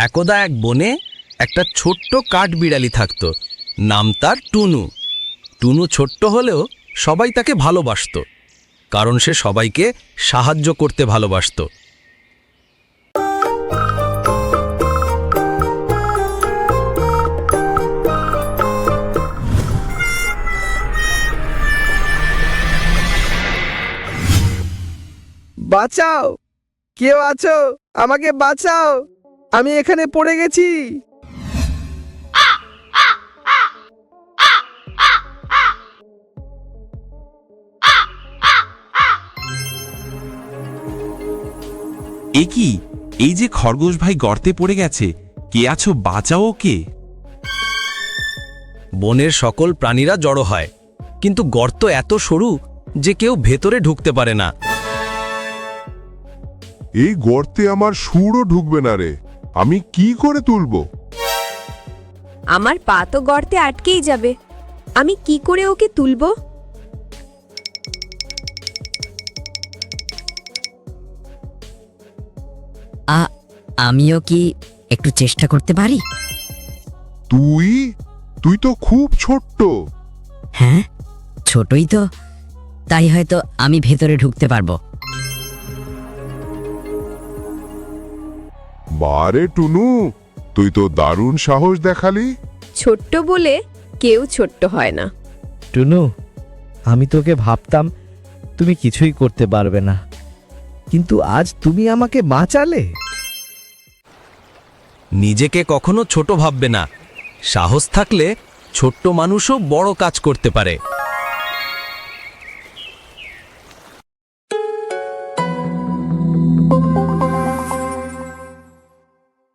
একদা এক বনে একটা ছোট্ট কাঠবিড়ালি থাকত। নাম তার টুনু। টুনু ছোট্ট হলেও সবাই তাকে ভালোবাসত, কারণ সে সবাইকে সাহায্য করতে ভালোবাসত। বাঁচাও, কেউ আছো? আমাকে বাঁচাও, আমি এখানে পড়ে গেছি। এ কি? এই যে খরগোশ ভাই গর্তে পড়ে গেছে, কে আছো? বাঁচাও কে? বনের সকল প্রাণীরা জড়ো হয়, কিন্তু গর্ত এত সরু যে কেউ ভেতরে ঢুকতে পারে না। এই গর্তে আমার সুরও ঢুকবে না রে, আমি কি করে তুলবো? আমার পা তো গর্তে আটকেই যাবে, আমি কি করে ওকে তুলবো? আমিও কি একটু চেষ্টা করতে পারি? তুই তুই তো খুব ছোট্ট। হ্যাঁ, ছোটই তো, তাই হয়তো আমি ভেতরে ঢুকতে পারবো। বারে টুনু, তুই তো দারুণ সাহস দেখালি। ছোট্ট বলে কেউ ছোট্ট হয় না। টুনু, আমি তোকে ভাবতাম তুমি কিছুই করতে পারবে না, কিন্তু আজ তুমি আমাকে বাঁচালে। নিজেকে কখনো ছোট ভাববে না। সাহস থাকলে ছোট্ট মানুষও বড় কাজ করতে পারে।